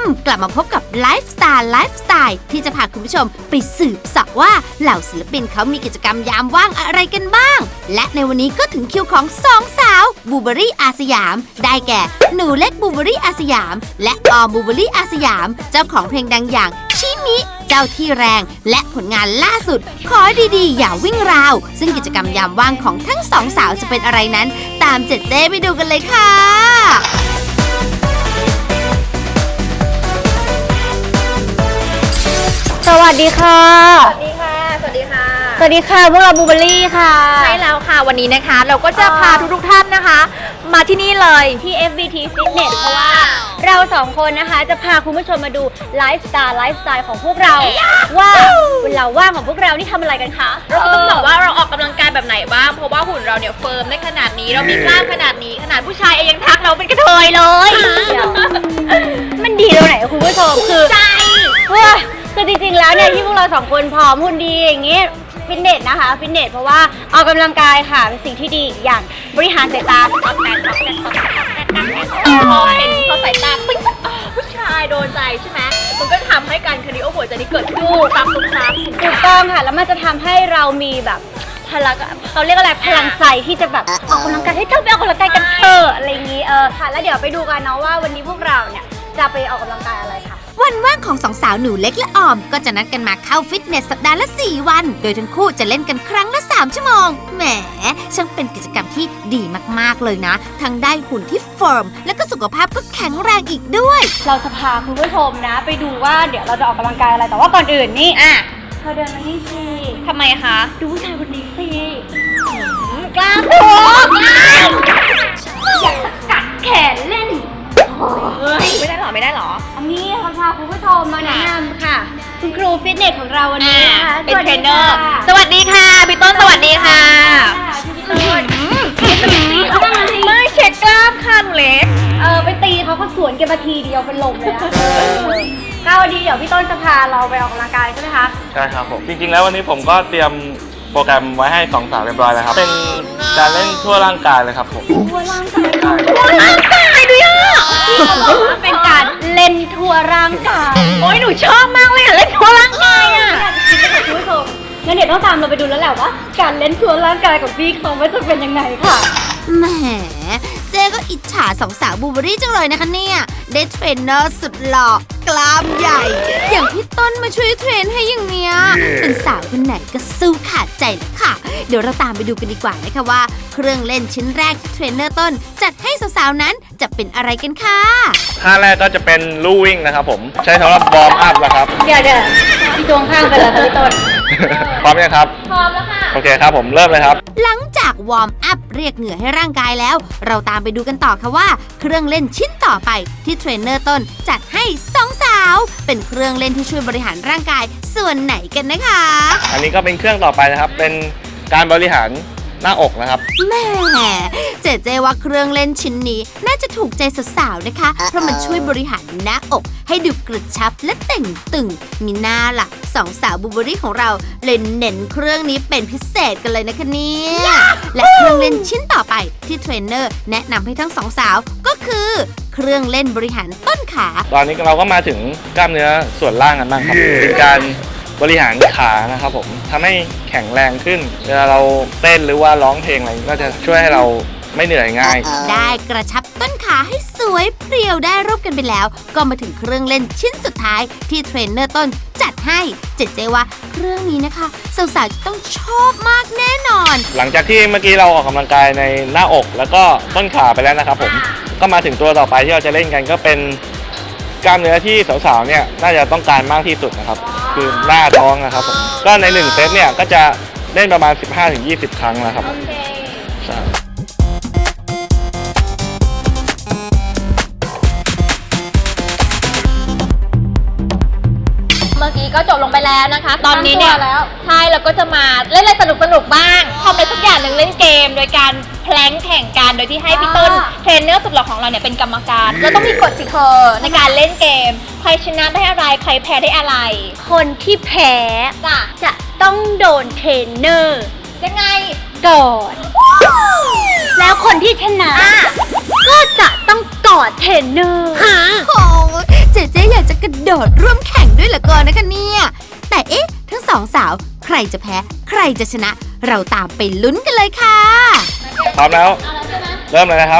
กลับมาพบกับไลฟ์สไตล์ที่จะพาคุณผู้ชมไปสืบเสาะว่าเหล่าศิลปินเขามีกิจกรรมยามว่างอะไรกันบ้างและในวันนี้ก็ถึงคิวของสองสาวบูเบอรี่อาสยามได้แก่หนูเล็กบูเบอรี่อาสยามและออมบูเบอรี่อาสยามเจ้าของเพลงดังอย่างชิมิเจ้าที่แรงและผลงานล่าสุดขอดีๆอย่าวิ่งราวซึ่งกิจกรรมยามว่างของทั้งสองสาวจะเป็นอะไรนั้นตามเจ๊ไปดูกันเลยค่ะสวัสดีค่ะสวัสดีค่ะ สวัสดีค่ะสวัสดีค่ะพวกเราบูเบอรี่ค่ะใช่แล้วค่ะวันนี้นะคะเราก็จะพาทุกท่านนะคะมาที่นี่เลยที่ FBT Fitness เพราะว่าเราสองคนนะคะจะพาคุณผู้ชมมาดูไลฟ์สไตล์ของพวกเราว่าเวลาว่างของพวกเรานี่ทำอะไรกันคะเราก็ต้องบอกว่าเราออกกำลังกายแบบไหนบ้างเพราะว่าหุ่นเราเนี่ยเฟิร์มได้ขนาดนี้เรามีกล้ามขนาดนี้ขนาดผู้ชายเองยังทักเราเป็นกระเทยเลยมันดีตรงไหนคุณผู้ชมคือใจคือจริงๆแล้วเนี่ยที่พวกเราสองคนผอมหุ่นดีอย่างงี้ฟิตเนสนะคะฟิตเนสเพราะว่าออกกำลังกายค่ะเป็นสิ่งที่ดีอย่างบริหารสายตาพอเห็นเขาสายตาปิ๊งผู้ชายโดนใจใช่ไหมมันก็ทำให้การคาร์ดิโอหัวใจนี่เกิดขึ้นครับถูกต้องค่ะแล้วมันจะทำให้เรามีแบบพลังเขาเรียกอะไรพลังใจที่จะแบบออกกำลังกายให้เจ้าไปออกกำลังกายกันเถอะอะไรอย่างนี้ค่ะแล้วเดี๋ยวไปดูกันนะว่าวันนี้พวกเราเนี่ยจะไปออกกำลังกายอะไรค่ะวันว่างของสองสาวหนูเล็กและออมก็จะนัดกันมาเข้าฟิตเนสสัปดาห์ละ4 วันโดยทั้งคู่จะเล่นกันครั้งละ3 ชั่วโมงแหมช่างเป็นกิจกรรมที่ดีมากๆเลยนะทั้งได้หุ่นที่เฟิร์มและก็สุขภาพก็แข็งแรงอีกด้วยเราจะพาคุณผู้ชมนะไปดูว่าเดี๋ยวเราจะออกกำลังกายอะไรแต่ว่าก่อนอื่นนี่เธอเดินมานี่สิทำไมคะดูผู้ชายคนนี้สิกล้ามโผล่อยากกัดแขนเล่นไม่ได้หรออันนี้เราพาคุณผู้ชมมาแนะนำค่ะคุณครูฟิตเนสของเราวันนี้นะคะเป็นเทรนเนอร์สวัสดีค่ะพี่ต้นสวัสดีค่ะไม่เช็คกล้ามค่ะหนูเล็กไปตีเขาก็สวนกันมาทีเดียวเป็นลมเลยนะก็วันนี้เดี๋ยวพี่ต้นจะพาเราไปออกกำลังกายใช่ไหมคะใช่ครับผมจริงๆแล้ววันนี้ผมก็เตรียมโปรแกรมไว้ให้2 สาวเรียบร้อยแล้วครับเป็นการเล่นทั่วร่างกายเลยครับผมทั่วร่างกายด้วยเป็นการเล่นทั่วร่างกายโอ้ยหนูชอบมากเลยเล่นทั่วร่างกายคุณผู้ชมงั้นเดี๋ยวต้องตามเราไปดูแล้วแหละว่าการเล่นทั่วร่างกายของพี่เขาจะเป็นยังไงค่ะแหมเจ๊ก็อิจฉาสองสาวบูเบอรี่จังเลยนะคะเนี่ยได้เทรนเนอร์สุดหล่อกล้ามใหญ่อย่างพี่ต้นมาช่วยเทรนให้อย่างเนี้ยเป็นสาวคนไหนก็สู้ขาดใจเลยค่ะเดี๋ยวเราตามไปดูกันดีกว่านะคะว่าเครื่องเล่นชิ้นแรกที่เทรนเนอร์ต้นจัดให้สาวๆนั้นจะเป็นอะไรกันค่ะท่าแรกก็จะเป็นลู่วิ่งนะครับผมใช้สำหรับวอร์มอัพนะครับเดี๋ยวพี่ตวงข้างไปแล้วพี่ต้นพร้อมยังครับพร้อมแล้วค่ะโอเคครับผมเริ่มเลยครับหลังจากวอร์มอัพเรียกเหงื่อให้ร่างกายแล้วเราตามไปดูกันต่อค่ะว่าเครื่องเล่นชิ้นต่อไปที่เทรนเนอร์ต้นจัดให้2 สาวเป็นเครื่องเล่นที่ช่วยบริหารร่างกายส่วนไหนกันนะคะอันนี้ก็เป็นเครื่องต่อไปนะครับเป็นการบริหารหน้าอกนะครับแม่เจ๊ว่าเครื่องเล่นชิ้นนี้น่าจะถูกใจสาวๆนะคะเพราะมันช่วยบริหารหน้าอกให้ดูกระชับและเต่งตึงมีหน้าล่ะ2 สาวบูเบอรี่ของเราเลยเน้นเครื่องนี้เป็นพิเศษกันเลยนะคะเนี่ยและเครื่องเล่นชิ้นต่อไปที่เทรนเนอร์แนะนำให้ทั้ง2 สาวก็คือเครื่องเล่นบริหารต้นขาตอนนี้เราก็มาถึงกล้ามเนื้อส่วนล่างกันบ้างครับเป็นการบริหารขานะครับผมทำให้แข็งแรงขึ้นเวลาเราเต้นหรือว่าร้องเพลงอะไรก็จะช่วยให้เราไม่เหนื่อยง่ายได้กระชับต้นขาให้สวยเพรียวได้รูปกันไปแล้วก็มาถึงเครื่องเล่นชิ้นสุดท้ายที่เทรนเนอร์ต้นจัดให้เจ๊ว่าเครื่องนี้นะคะสาวๆจะต้องชอบมากแน่นอนหลังจากที่เมื่อกี้เราออกกำลังกายในหน้าอกแล้วก็ต้นขาไปแล้วนะครับผมก็มาถึงตัวต่อไปที่เราจะเล่นกันก็เป็นกล้ามเนื้อที่สาวๆเนี่ยน่าจะต้องการมากที่สุดนะครับคือหน้าท้องนะครับผมก็ใน1 เซตเนี่ยก็จะเล่นประมาณ 15-20 ครั้งนะครับใช่เมื่อกี้ก็จบลงไปแล้วนะคะตอนนี้เนี่ยใช่เราก็จะมาเล่นอะไรสนุกบ้างทำอะไรสักอย่างหนึ่งเล่นเกมโดยการแพลงแข่งกันโดยที่ให้พี่ต้นเทรนเนอร์สุดหล่อของเราเนี่ยเป็นกรรมการแล้วต้องมีกฎสิเธอในการเล่นเกมใครชนะได้อะไรใครแพ้ได้อะไรคนที่แพ้จะต้องโดนเทรนเนอร์ยังไงก่อนแล้วคนที่ชนะก็จะต้องกอดเทรนเนอร์โอ้เจ๊อยากองสาว ใครจะแพ้ใครจะชนะ เราตามไปลุ้นกันเลยค่ะพร้อมแล้ว เริ่มเลยนะครับ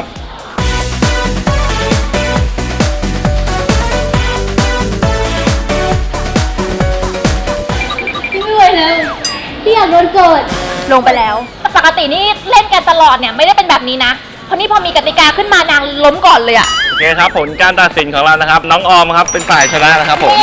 พี่อยากโดนเกิดลงไปแล้ว ปกตินี่เล่นกันตลอดเนี่ยไม่ได้เป็นแบบนี้นะเพราะนี่พอมีกติกาขึ้นมานางล้มก่อนเลยอะโอเคครับผลการตัดสินของเรานะครับ น้องออมครับเป็นฝ่ายชนะนะครับผม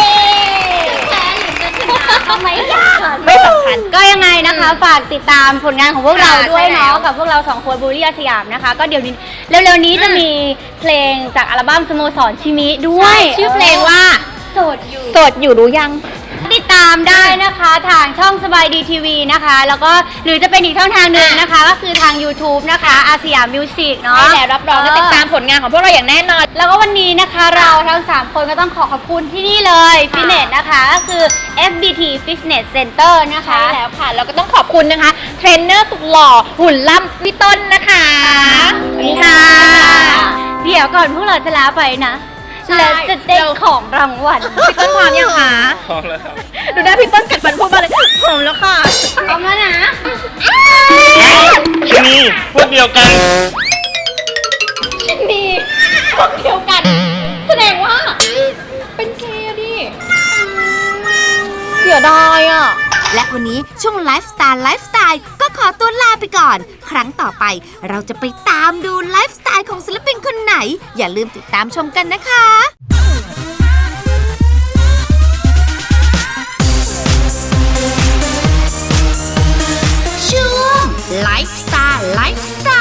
ไม่ยากไม่สำคัญก็ยังไงนะคะ ฝากติดตามผลงานของพวกเราด้วยเนาะกับพวกเรา2คนบูลลี่อาสยามนะคะ ก็เดี๋ยวนี้เร็วๆนี้จะมีเพลงจากอัลบั้มสโมสรชิมิด้วยชื่อเพลงว่าโสดอยู่รู้ยังติดตามได้นะคะทางช่องสบายดีทีวีนะคะ แล้วก็หรือจะเป็นอีกช่องทางหนึ่งนะคะ ก็คือทาง YouTube นะคะอาสยามมิวสิกเนาะใช่แล้วรับรองจะติดตามผลงานของพวกเราอย่างแน่นอนแล้วก็วันนี้นะคะเราทั้ง 3 คนก็ต้องขอบคุณที่นี่เลย ฟิตเนสนะคะก็คือ FBT Fitness Center นะคะใช่แล้วค่ะแล้วก็ต้องขอบคุณนะคะ เทรนเนอร์สุดหล่อหุ่นล่ำพี่ต้นนะคะสวัสดีค่ะ เดี๋ยวก่อนพวกเราจะลาไปนะแล้วจะได้ของรางวัลพี่ต้นพร้อมยังคะพร้อมแล้วครับดูหน้าพี่ต้นกัดฟันพูดมาเลยพร้อมแล้วค่ะพร้อมแล้วนะชนีพวกเดียวกันดีพวกเดียวกัน แสดงว่า เป็นเคดิเสียดายอ่ะและวันนี้ช่วงไลฟ์สไตล์ก็ขอตัวลาไปก่อน ครั้งต่อไปเราจะไปตามดูไลฟ์สไตล์ของศิลปินคนไหน อย่าลืมติดตามชมกันนะคะ ช่วงไลฟ์สไตล์